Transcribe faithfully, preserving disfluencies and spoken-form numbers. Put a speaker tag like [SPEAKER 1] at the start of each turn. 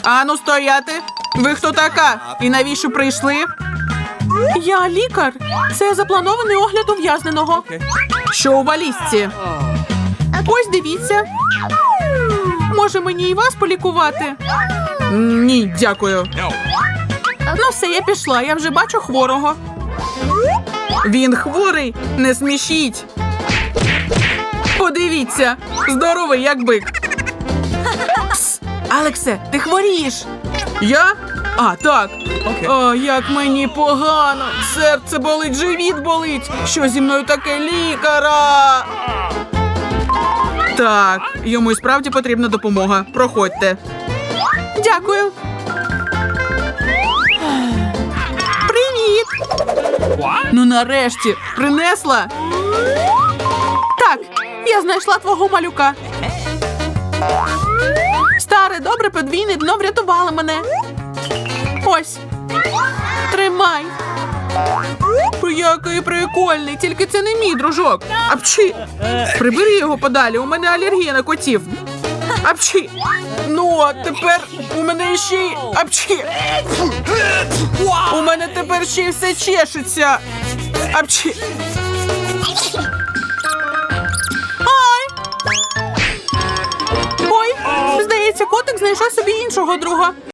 [SPEAKER 1] Ану, стояти! Ви хто така? І навіщо прийшли? Я лікар. Це запланований огляд ув'язненого. Що у валізці? Ось дивіться. Може мені і вас полікувати? Ні, дякую. Ну все, я пішла, я вже бачу хворого. Він хворий? Не смішіть. Подивіться, здоровий як бик. Пс, Алексе, ти хворієш. Я? А, так. О, як мені погано. Серце болить, живіт болить. Що зі мною таке, лікара? Так, йому і справді потрібна допомога. Проходьте. Дякую. Привіт. Ну нарешті, принесла? Так, я знайшла твого малюка. Старе, добре подвійне дно врятувало мене. Ось. Тримай. Який прикольний, тільки це не мій дружок. Апчі. Прибери його подалі, у мене алергія на котів. Апчі. Ну, а тепер у мене ще й... Апчі. У мене тепер ще й все чешеться. Апчі. Ай. Ой, здається, котик знайшов собі іншого друга.